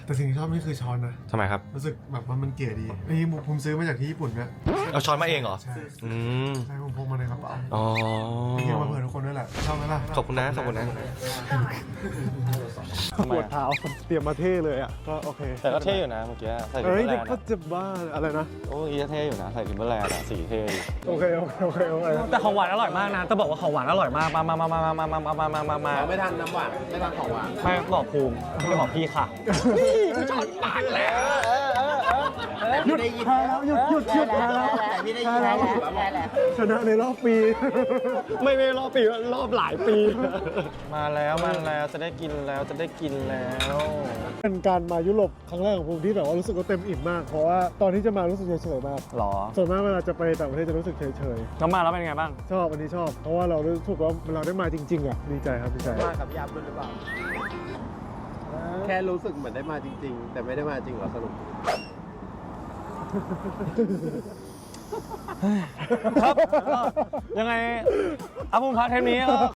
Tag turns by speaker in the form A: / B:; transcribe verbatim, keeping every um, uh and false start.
A: แต่สิ่งที่ชอบนี่คือช้อนนะ
B: ทำไมครับ
A: รู้สึกแบบว่ามันเก๋ดีนี่ผมซื้อมาจากที่ญี่ปุ่นเนี่ย
B: เอาช้อนมาเองเหรอ
A: ใช่
B: อืม
A: ใช่ผมพกมาในกระเป๋า
B: อ๋อ
A: มีเกี่ยวมาเผื่อทุกคนด้วยแหละชอบไหมล่ะ
B: ขอบคุณนะขอบคุณนะ
A: ปวดเท้าเตรียมมาเท่เลยอ่ะก็โอเค
B: แต่ก็เท่อยู่นะเมื่อกี้ใส่ทิม
A: เฮ้
B: เบ
A: ย
B: อร์แล
A: เด็ก
B: นด์
A: ก็จะบ้าอะไรนะ
B: โอ้เมื่อกี้เท่อยู่นะใส่ทิมเบอร์แลนด์อะสีเท่ดี
A: โอเคโอเคโอเคโอเค
C: แต่ของหวานอร่อยมากนะจะบอกว่าของหวานอร่อยมากมามามามามามามามามามามา
D: ไม่ทันน้ำหวานไม่ทันของหวาน
C: ไม่บอกภูมิไม่บอกพี่ค่ะ
A: หยุดแพ้แล้วหยุดหยุดหยุดแพ้แล้ว
D: พี่ได้ยินแล้วแล้ว
A: ชนะในรอบปี
C: ไม่ไม่รอบปีรอบหลายปี มาแล้วมาแล้วจะได้กินแล้วจะได้กินแล้ว
A: เป็นการมายุโรปครั้งแรกของผมที่แบบว่ารู้สึกว่าเต็มอิ่มมากเพราะว่าตอนที่จะมารู้สึกเฉยๆมาก
C: หรอ
A: ส่วนมากเวลาจะไปต่างประเทศจะรู้สึกเฉย
C: แล้วมาแล้วเป็นไงบ้าง
A: ๆชอบอันนี้ชอบ เพราะว่าเรารู้สึกว่าเราได้มาจริงๆอ่ะดีใจครับดีใจ
D: มากับพี่อัพด้วยหรือเปล่า แค่รู้สึกเหมือนได้มาจริง ๆ แต่ไม่ได้มาจริงเหรอสรุป
C: ครับก็ยังไงอาภูมิพัฒน์เทปนี้ก็